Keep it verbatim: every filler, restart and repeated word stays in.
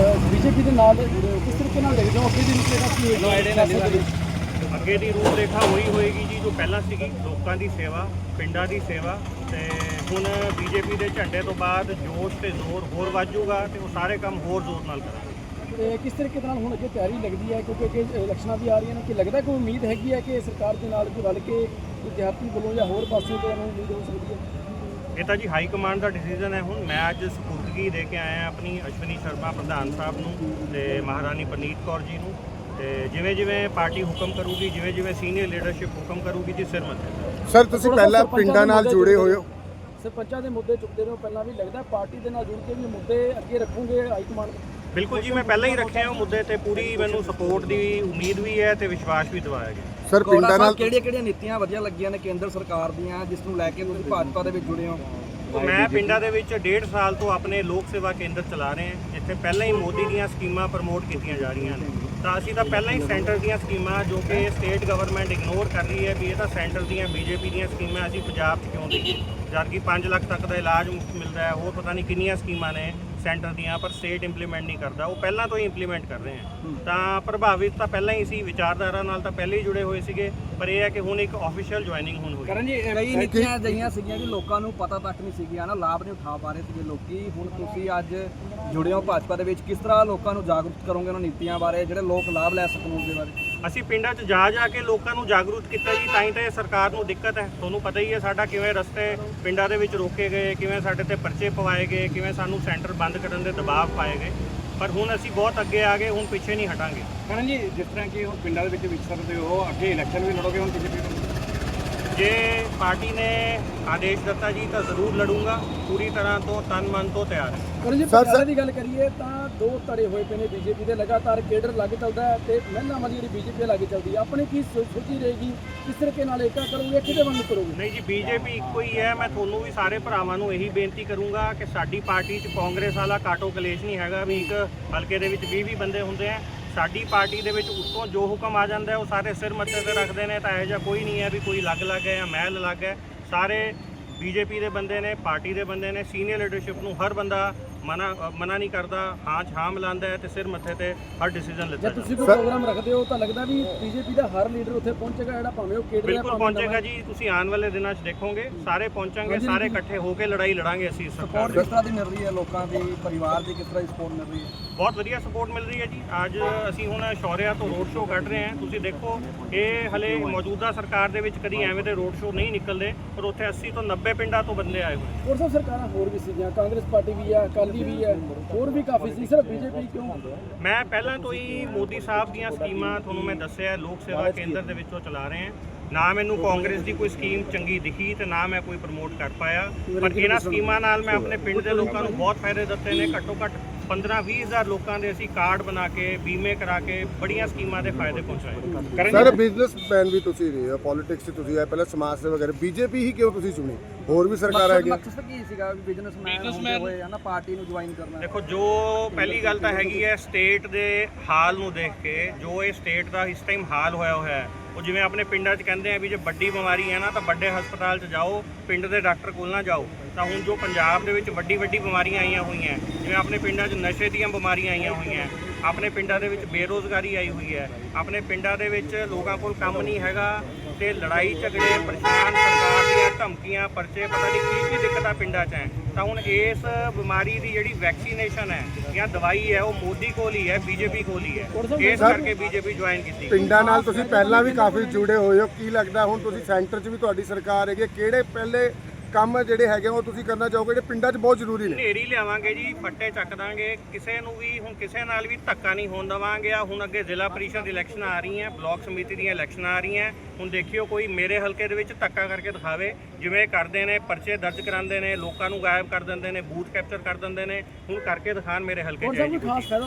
BJP ਦੇ ਨਾਲ ਕਿਸ ਤਰੀਕੇ ਨਾਲ ਦੇਖਦੇ ਹੋ ਅੱਗੇ ਦੀ ਰੂਪਰੇਖਾ ਕੀ ਹੋਏਗੀ? ਅੱਗੇ ਦੀ ਰੂਪਰੇਖਾ ਉਹੀ ਹੋਏਗੀ ਜੀ ਜੋ ਪਹਿਲਾਂ ਸੀਗੀ, ਲੋਕਾਂ ਦੀ ਸੇਵਾ, ਪਿੰਡਾਂ ਦੀ ਸੇਵਾ। ਤੇ ਹੁਣ ਬੀਜੇਪੀ ਦੇ ਝੰਡੇ ਤੋਂ ਬਾਅਦ ਜੋਸ਼ ਤੇ ਜ਼ੋਰ ਹੋਰ ਵੱਜੂਗਾ ਤੇ ਉਹ ਸਾਰੇ ਕੰਮ ਹੋਰ ਜ਼ੋਰ ਨਾਲ ਕਰਾਂਗੇ। ਤੇ ਕਿਸ ਤਰੀਕੇ ਨਾਲ ਹੁਣ ਅੱਗੇ ਤਿਆਰੀ ਲੱਗਦੀ ਹੈ, ਕਿਉਂਕਿ ਅੱਗੇ ਇਲੈਕਸ਼ਨਾਂ ਵੀ ਆ ਰਹੀਆਂ ਨੇ, ਕਿ ਲੱਗਦਾ ਕੋਈ ਉਮੀਦ ਹੈਗੀ ਹੈ ਕਿ ਸਰਕਾਰ ਦੇ ਨਾਲ ਕੋਈ ਰਲ ਕੇ ਵਿਦਿਆਰਥੀ ਵੱਲੋਂ ਜਾਂ ਹੋਰ ਪਾਸੇ ਤੋਂ ਨੂੰ ਉਮੀਦ ਹੋ ਸਕਦੀ ਹੈ? ਇਹ ਤਾਂ ਜੀ ਹਾਈ ਕਮਾਂਡ ਦਾ ਡਿਸੀਜਨ ਹੈ। ਹੁਣ ਮੈਂ ਅੱਜ ਸਪੁਰਦਗੀ ਦੇ ਕੇ ਆਇਆ ਆਪਣੀ ਅਸ਼ਵਨੀ ਸ਼ਰਮਾ ਪ੍ਰਧਾਨ ਸਾਹਿਬ ਨੂੰ ਤੇ ਮਹਾਰਾਣੀ ਪਰਨੀਤ ਕੌਰ ਜੀ ਨੂੰ, ਤੇ ਜਿਵੇਂ ਜਿਵੇਂ ਪਾਰਟੀ ਹੁਕਮ ਕਰੂਗੀ, ਜਿਵੇਂ ਜਿਵੇਂ ਸੀਨੀਅਰ ਲੀਡਰਸ਼ਿਪ ਹੁਕਮ ਕਰੂਗੀ ਜੀ ਸਿਰ ਮੱਥੇ। ਸਰ ਤੁਸੀਂ ਪਹਿਲਾਂ ਪਿੰਡਾਂ ਨਾਲ ਜੁੜੇ ਹੋਏ ਹੋ, ਸਰਪੰਚਾਂ ਦੇ ਮੁੱਦੇ ਚੁੱਕਦੇ ਰਹੋ ਪਹਿਲਾਂ ਵੀ, ਲੱਗਦਾ ਪਾਰਟੀ ਦੇ ਨਾਲ ਜੁੜ ਕੇ ਵੀ ਮੁੱਦੇ ਅੱਗੇ ਰੱਖੋਗੇ ਹਾਈ ਕਮਾਂਡ? ਬਿਲਕੁਲ ਜੀ, ਮੈਂ ਪਹਿਲਾਂ ਹੀ ਰੱਖਿਆ ਉਹ ਮੁੱਦੇ ਤੇ ਪੂਰੀ ਮੈਨੂੰ ਸਪੋਰਟ ਦੀ ਉਮੀਦ ਵੀ ਹੈ ਤੇ ਵਿਸ਼ਵਾਸ ਵੀ ਦਿਵਾਇਆ ਗਿਆ। ਸਰ ਪਿੰਡਾਂ ਨਾਲ ਕਿਹੜੀਆਂ ਕਿਹੜੀਆਂ ਨੀਤੀਆਂ ਵਧੀਆ ਲੱਗੀਆਂ ਨੇ ਕੇਂਦਰ ਸਰਕਾਰ ਦੀਆਂ ਜਿਸ ਨੂੰ ਲੈ ਕੇ ਤੁਸੀਂ ਭਾਜਪਾ ਦੇ ਵਿੱਚ ਜੁੜੇ ਹੋ? ਮੈਂ ਪਿੰਡਾਂ ਦੇ ਵਿੱਚ ਡੇਢ ਸਾਲ ਤੋਂ ਆਪਣੇ ਲੋਕ ਸੇਵਾ ਕੇਂਦਰ ਚਲਾ ਰਹੇ ਹਾਂ, ਜਿੱਥੇ ਪਹਿਲਾਂ ਹੀ ਮੋਦੀ ਦੀਆਂ ਸਕੀਮਾਂ ਪ੍ਰਮੋਟ ਕੀਤੀਆਂ ਜਾ ਰਹੀਆਂ ਨੇ। ਤਾਂ ਅਸੀਂ ਤਾਂ ਪਹਿਲਾਂ ਹੀ ਸੈਂਟਰ ਦੀਆਂ ਸਕੀਮਾਂ ਜੋ ਕਿ ਸਟੇਟ ਗਵਰਨਮੈਂਟ ਇਗਨੋਰ ਕਰ ਰਹੀ ਹੈ ਵੀ ਇਹ ਤਾਂ ਸੈਂਟਰ ਦੀਆਂ ਬੀਜੇਪੀ ਦੀਆਂ ਸਕੀਮਾਂ ਅਸੀਂ ਪੰਜਾਬ 'ਚ ਕਿਉਂ ਦਈਏ, ਜਦ ਕਿ ਪੰਜ ਲੱਖ ਤੱਕ ਦਾ ਇਲਾਜ ਮੁਫਤ ਮਿਲਦਾ ਹੈ। ਹੋਰ ਪਤਾ ਨਹੀਂ ਕਿੰਨੀਆਂ ਸਕੀਮਾਂ ਨੇ ਸੈਂਟਰ ਦੀਆਂ, ਪਰ ਸਟੇਟ ਇੰਪਲੀਮੈਂਟ ਨਹੀਂ ਕਰਦਾ, ਉਹ ਪਹਿਲਾਂ ਤੋਂ ਹੀ ਇੰਪਲੀਮੈਂਟ ਕਰ ਰਹੇ ਹਾਂ। ਤਾਂ ਪ੍ਰਭਾਵਿਤ ਤਾਂ ਪਹਿਲਾਂ ਹੀ ਸੀ, ਵਿਚਾਰਧਾਰਾ ਨਾਲ ਤਾਂ ਪਹਿਲਾਂ ਹੀ ਜੁੜੇ ਹੋਏ ਸੀਗੇ, ਪਰ ਇਹ ਹੈ ਕਿ ਹੁਣ ਇੱਕ ਆਫੀਸ਼ੀਅਲ ਜੁਆਇਨਿੰਗ ਹੁਣ ਹੋਈ। ਕਰਨ ਜੀ ਕਈ ਨੀਤੀਆਂ ਅਜਿਹੀਆਂ ਸੀਗੀਆਂ ਕਿ ਲੋਕਾਂ ਨੂੰ ਪਤਾ ਤੱਕ ਨਹੀਂ ਸੀਗੀਆਂ ਨਾ, ਲਾਭ ਨਹੀਂ ਉਠਾ ਪਾ ਰਹੇ ਸੀਗੇ ਲੋਕੀ। ਹੁਣ ਤੁਸੀਂ ਅੱਜ ਜੁੜੇ ਹੋ ਭਾਜਪਾ ਦੇ ਵਿੱਚ, ਕਿਸ ਤਰ੍ਹਾਂ ਲੋਕਾਂ ਨੂੰ ਜਾਗਰੂਕ ਕਰੋਗੇ ਉਹਨਾਂ ਨੀਤੀਆਂ ਬਾਰੇ ਜਿਹੜੇ ਲੋਕ ਲਾਭ ਲੈ ਸਕਣ ਉਸ ਦੇ ਬਾਰੇ? ਅਸੀਂ ਪਿੰਡਾਂ 'ਚ ਜਾ ਜਾ ਕੇ ਲੋਕਾਂ ਨੂੰ ਜਾਗਰੂਕ ਕੀਤਾ ਜੀ, ਤਾਂ ਹੀ ਤਾਂ ਇਹ ਸਰਕਾਰ ਨੂੰ ਦਿੱਕਤ ਹੈ। ਤੁਹਾਨੂੰ ਪਤਾ ਹੀ ਹੈ ਸਾਡਾ ਕਿਵੇਂ ਰਸਤੇ ਪਿੰਡਾਂ ਦੇ ਵਿੱਚ ਰੋਕੇ ਗਏ, ਕਿਵੇਂ ਸਾਡੇ ਤੇ ਪਰਚੇ ਪਵਾਏ ਗਏ, ਕਿਵੇਂ ਸਾਨੂੰ ਸੈਂਟਰ ਬੰਦ ਕਰਨ ਦੇ ਦਬਾਅ ਪਾਏ ਗਏ। ਪਰ ਹੁਣ ਅਸੀਂ ਬਹੁਤ ਅੱਗੇ ਆ ਗਏ, ਹੁਣ ਪਿੱਛੇ ਨਹੀਂ ਹਟਾਂਗੇ। ਕਰਨ ਜੀ ਜਿਸ ਤਰ੍ਹਾਂ ਕਿ ਹੁਣ ਪਿੰਡਾਂ ਦੇ ਵਿੱਚ ਵਿਚਰਦੇ ਹੋ, ਅੱਗੇ ਇਲੈਕਸ਼ਨ ਵੀ ਲੜੋਗੇ ਹੁਣ ਬੀਜੇਪੀ ਨੂੰ? ਜੇ ਪਾਰਟੀ ਨੇ ਆਦੇਸ਼ ਦਿੱਤਾ ਜੀ ਤਾਂ ਜ਼ਰੂਰ ਲੜੂੰਗਾ, ਪੂਰੀ ਤਰ੍ਹਾਂ ਤੋਂ ਤਨ ਮਨ ਤੋਂ ਤਿਆਰ ਹੈ। ਪਰ ਜੇ ਪਟਿਆਲੇ ਦੀ ਗੱਲ ਕਰੀਏ ਤਾਂ ਦੋ ਧੜੇ ਹੋਏ ਪਏ ਨੇ ਬੀਜੇਪੀ ਦੇ, ਲਗਾਤਾਰ ਕੇਡਰ ਲੱਗ ਚੱਲਦਾ ਹੈ ਤੇ ਮਹਿਲਾਵਾਂ ਦੀ ਜਿਹੜੀ ਬੀਜੇਪੀ ਲੱਗ ਚੱਲਦੀ ਹੈ। ਆਪਣੀ ਕੀ ਸੋਚੀ ਰਹੇਗੀ, ਕਿਸ ਤਰੀਕੇ ਨਾਲ ਏਕਾ ਕਰੋਗੇ, ਕਿਹਦੇ ਵੱਲ ਨੂੰ ਕਰੋਗੇ? ਨਹੀਂ ਜੀ, ਬੀਜੇਪੀ ਇੱਕੋ ਹੀ ਹੈ। ਮੈਂ ਤੁਹਾਨੂੰ ਵੀ ਸਾਰੇ ਭਰਾਵਾਂ ਨੂੰ ਇਹੀ ਬੇਨਤੀ ਕਰੂੰਗਾ ਕਿ ਸਾਡੀ ਪਾਰਟੀ 'ਚ ਕਾਂਗਰਸ ਵਾਲਾ ਕਾਟੋ ਕਲੇਸ਼ ਨਹੀਂ ਹੈਗਾ ਵੀ ਇੱਕ ਹਲਕੇ ਦੇ ਵਿੱਚ ਵੀਹ ਵੀਹ ਬੰਦੇ ਹੁੰਦੇ ਆ। ਸਾਡੀ ਪਾਰਟੀ ਦੇ ਵਿੱਚ ਉੱਤੋਂ ਜੋ ਹੁਕਮ ਆ ਜਾਂਦਾ ਉਹ ਸਾਰੇ ਸਿਰ ਮੱਥੇ ਤੇ ਰੱਖਦੇ ਨੇ। ਤਾਂ ਇਹੋ ਜਿਹਾ ਕੋਈ ਨਹੀਂ ਹੈ ਵੀ ਕੋਈ ਅਲੱਗ ਅਲੱਗ ਹੈ ਜਾਂ ਮਹਿਲ ਅਲੱਗ ਹੈ। ਸਾਰੇ ਬੀਜੇਪੀ ਦੇ ਬੰਦੇ ਨੇ, ਪਾਰਟੀ ਦੇ ਬੰਦੇ ਨੇ। ਸੀਨੀਅਰ ਲੀਡਰਸ਼ਿਪ ਨੂੰ ਹਰ ਬੰਦਾ ਮਨਾ ਮਨਾ ਨਹੀਂ ਕਰਦਾ, ਹਾਂ 'ਚ ਹਾਂ ਮਿਲਾਉਂਦਾ ਹੈ ਤੇ ਸਿਰ ਮੱਥੇ ਤੇ ਹਰ ਡਿਸੀਜਨ ਲੈਂਦਾ। ਜੇ ਤੁਸੀਂ ਕੋਈ ਪ੍ਰੋਗਰਾਮ ਰੱਖਦੇ ਹੋ ਤਾਂ ਲੱਗਦਾ ਵੀ ਬੀਜੇਪੀ ਦਾ ਹਰ ਲੀਡਰ ਉੱਥੇ ਪਹੁੰਚੇਗਾ, ਜਿਹੜਾ ਭਾਵੇਂ ਉਹ ਕੇਡਰ ਹੈ ਬਿਲਕੁਲ ਪਹੁੰਚੇਗਾ ਜੀ। ਤੁਸੀਂ ਆਉਣ ਵਾਲੇ ਦਿਨਾਂ 'ਚ ਦੇਖੋਗੇ ਸਾਰੇ ਪਹੁੰਚਾਂਗੇ, ਸਾਰੇ ਇਕੱਠੇ ਹੋ ਕੇ ਲੜਾਈ ਲੜਾਂਗੇ ਅਸੀਂ ਸਰਕਾਰ ਸਪੋਰਟ ਕਿਸ ਤਰ੍ਹਾਂ ਦੀ ਮਿਲ ਰਹੀ ਹੈ ਲੋਕਾਂ ਦੀ, ਪਰਿਵਾਰ ਦੀ ਕਿਸ ਤਰ੍ਹਾਂ ਦੀ ਸਪੋਰਟ ਮਿਲ ਰਹੀ ਹੈ? ਬਹੁਤ ਵਧੀਆ ਸਪੋਰਟ ਮਿਲ ਰਹੀ ਹੈ ਜੀ। ਅੱਜ ਅਸੀਂ ਹੁਣ ਸ਼ੌਰਿਆ ਤੋਂ ਰੋਡ ਸ਼ੋਅ ਕੱਢ ਰਹੇ ਹਾਂ। ਤੁਸੀਂ ਦੇਖੋ ਇਹ ਹਲੇ ਮੌਜੂਦਾ ਸਰਕਾਰ ਦੇ ਵਿੱਚ ਕਦੀ ਐਵੇਂ ਦੇ ਰੋਡ ਸ਼ੋਅ ਨਹੀਂ ਨਿਕਲਦੇ, ਪਰ ਉੱਥੇ ਅੱਸੀ ਤੋਂ ਨੱਬੇ ਪਿੰਡਾਂ ਤੋਂ ਬੰਦੇ ਆਏ ਹੋਏ। ਹੋਰ ਸਭ ਸਰਕਾਰਾਂ ਹੋਰ ਵੀ ਸੀਗੀਆਂ, ਕਾਂਗਰਸ ਪਾਰਟੀ ਵੀ ਹੈ, ਅਕਾਲੀ ਵੀ ਹੈ, ਹੋਰ ਵੀ ਕਾਫੀ ਸੀ, ਸਿਰਫ ਬੀਜੇਪੀ ਕਿਉਂ? ਮੈਂ ਪਹਿਲਾਂ ਤੋਂ ਹੀ ਮੋਦੀ ਸਾਹਿਬ ਦੀਆਂ ਸਕੀਮਾਂ ਤੁਹਾਨੂੰ ਮੈਂ ਦੱਸਿਆ ਲੋਕ ਸੇਵਾ ਕੇਂਦਰ ਦੇ ਵਿੱਚੋਂ ਚਲਾ ਰਹੇ ਹਾਂ। ਨਾ ਮੈਨੂੰ ਕਾਂਗਰਸ ਦੀ ਕੋਈ ਸਕੀਮ ਚੰਗੀ ਦਿਖੀ ਤੇ ਨਾ ਮੈਂ ਕੋਈ ਪ੍ਰਮੋਟ ਕਰ ਪਾਇਆ, ਪਰ ਇਹਨਾਂ ਸਕੀਮਾਂ ਨਾਲ ਮੈਂ ਆਪਣੇ ਪਿੰਡ ਦੇ ਲੋਕਾਂ ਨੂੰ ਬਹੁਤ ਫਾਇਦੇ ਦਿੱਤੇ ਨੇ। ਘੱਟੋ ਘੱਟ ਪੰਦਰਾਂ ਵੀਹ ਹਜ਼ਾਰ ਲੋਕਾਂ ਦੇ ਅਸੀਂ ਕਾਰਡ ਬਣਾ ਕੇ, ਬੀਮੇ ਕਰਾ ਕੇ ਬੜੀਆਂ ਸਕੀਮਾਂ ਦੇ ਫਾਇਦੇ ਪਹੁੰਚਾਏ। ਸਰ ਬਿਜ਼ਨਸਮੈਨ ਵੀ ਤੁਸੀਂ ਰਹੇ ਹੋ, ਪੋਲਿਟਿਕਸ 'ਚ ਤੁਸੀਂ ਆਏ, ਪਹਿਲਾਂ ਸਮਾਜ ਸੇਵਾ ਵਗੈਰਾ, ਬੀਜੇਪੀ ਹੀ ਕਿਉਂ ਤੁਸੀਂ ਚੁਣੀ? ਹੋਰ ਵੀ ਸਰਕਾਰ ਹੈਗੀ? ਮਕਸਦ ਕੀ ਸੀਗਾ ਵੀ ਬਿਜ਼ਨਸਮੈਨ ਹੁੰਦੇ ਹੋਏ ਨਾ ਪਾਰਟੀ ਨੂੰ ਜੁਆਇਨ ਕਰਨਾ? ਦੇਖੋ, ਜੋ ਪਹਿਲੀ ਗੱਲ ਤਾਂ ਹੈਗੀ ਹੈ ਸਟੇਟ ਦੇ ਹਾਲ ਨੂੰ ਦੇਖ ਕੇ, ਜੋ ਇਹ ਸਟੇਟ ਦਾ ਇਸ ਟਾਈਮ ਹਾਲ ਹੋਇਆ ਹੋਇਆ ਹੈ, ਉਹ ਜਿਵੇਂ ਆਪਣੇ ਪਿੰਡਾਂ 'ਚ ਕਹਿੰਦੇ ਆ ਵੀ ਜੇ ਵੱਡੀ ਬਿਮਾਰੀ ਹੈ ਨਾ ਤਾਂ ਵੱਡੇ ਹਸਪਤਾਲ 'ਚ ਜਾਓ, ਪਿੰਡ ਦੇ ਡਾਕਟਰ ਕੋਲ ਨਾ ਜਾਓ। ਤਾਂ ਹੁਣ ਜੋ ਪੰਜਾਬ ਦੇ ਵਿੱਚ ਵੱਡੀ ਵੱਡੀ ਬਿਮਾਰੀਆਂ ਆਈਆਂ ਹੋਈਆਂ, ਜਿਵੇਂ ਆਪਣੇ ਪਿੰਡਾਂ 'ਚ ਨਸ਼ੇ ਦੀਆਂ ਬਿਮਾਰੀਆਂ ਆਈਆਂ ਹੋਈਆਂ, ਆਪਣੇ ਪਿੰਡਾਂ ਦੇ ਵਿੱਚ ਬੇਰੋਜ਼ਗਾਰੀ ਆਈ ਹੋਈ ਹੈ, ਆਪਣੇ ਪਿੰਡਾਂ ਦੇ ਵਿੱਚ ਲੋਕਾਂ ਕੋਲ ਕੰਮ ਨਹੀਂ ਹੈਗਾ ਤੇ ਲੜਾਈ ਝਗੜੇ, ਪਰੇਸ਼ਾਨ, ਸਰਕਾਰ ਦੀਆਂ ਧਮਕੀਆਂ, ਪਰਚੇ, ਪਤਾ ਨਹੀਂ ਕੀ ਕੀ ਦਿੱਕਤਾਂ ਪਿੰਡਾਂ 'ਚ ਹੈ। ਤਾਂ ਹੁਣ ਇਸ ਬਿਮਾਰੀ ਦੀ ਜਿਹੜੀ ਵੈਕਸੀਨੇਸ਼ਨ ਹੈ ਜਾਂ ਦਵਾਈ ਹੈ ਉਹ ਮੋਦੀ ਕੋਲ ਹੀ ਹੈ, ਬੀਜੇਪੀ ਕੋਲ ਹੀ ਹੈ। ਇਸ ਕਰਕੇ ਬੀਜੇਪੀ ਜੁਆਇਨ ਕੀਤੀ। ਪਿੰਡਾਂ ਨਾਲ ਤੁਸੀਂ ਪਹਿਲਾਂ ਵੀ ਕਾਫੀ ਜੁੜੇ ਹੋਏ ਹੋ, ਕੀ ਲੱਗਦਾ ਹੁਣ ਤੁਸੀਂ ਸੈਂਟਰ 'ਚ ਵੀ ਤੁਹਾਡੀ ਸਰਕਾਰ ਹੈਗੀ, ਕਿਹੜੇ ਪਹਿਲੇ ਕੰਮ ਜਿਹੜੇ ਹੈਗੇ ਉਹ ਤੁਸੀਂ ਕਰਨਾ ਚਾਹੋਗੇ ਜਿਹੜੇ ਪਿੰਡਾਂ 'ਚ ਬਹੁਤ ਜ਼ਰੂਰੀ ਨੇ? ਨੇਰੀ ਲਿਆਵਾਂਗੇ ਜੀ, ਫੱਟੇ ਚੱਕ ਦਾਂਗੇ, ਕਿਸੇ ਨੂੰ ਵੀ ਹੁਣ ਕਿਸੇ ਨਾਲ ਵੀ ਧੱਕਾ ਨਹੀਂ ਹੋਣ ਦੇਵਾਂਗੇ। ਆ ਹੁਣ ਅੱਗੇ ਜ਼ਿਲ੍ਹਾ ਪਰਿਸ਼ਦ ਇਲੈਕਸ਼ਨ ਆ ਰਹੀਆਂ, ਬਲਾਕ ਸਮਿਤੀ ਦੀਆਂ ਇਲੈਕਸ਼ਨਾਂ ਆ ਰਹੀਆਂ। ਹੁਣ ਦੇਖਿਓ ਕੋਈ ਮੇਰੇ ਹਲਕੇ ਦੇ ਵਿੱਚ ਧੱਕਾ ਕਰਕੇ ਦਿਖਾਵੇ, ਜਿਵੇਂ ਕਰਦੇ ਨੇ, ਪਰਚੇ ਦਰਜ ਕਰਾਉਂਦੇ ਨੇ, ਲੋਕਾਂ ਨੂੰ ਗਾਇਬ ਕਰ ਦਿੰਦੇ ਨੇ, ਬੂਥ ਕੈਪਚਰ ਕਰ ਦਿੰਦੇ ਨੇ। ਹੁਣ ਕਰਕੇ ਦਿਖਾਣ ਮੇਰੇ ਹਲਕੇ 'ਚ। ਕੋਈ ਖਾਸ ਫਾਇਦਾ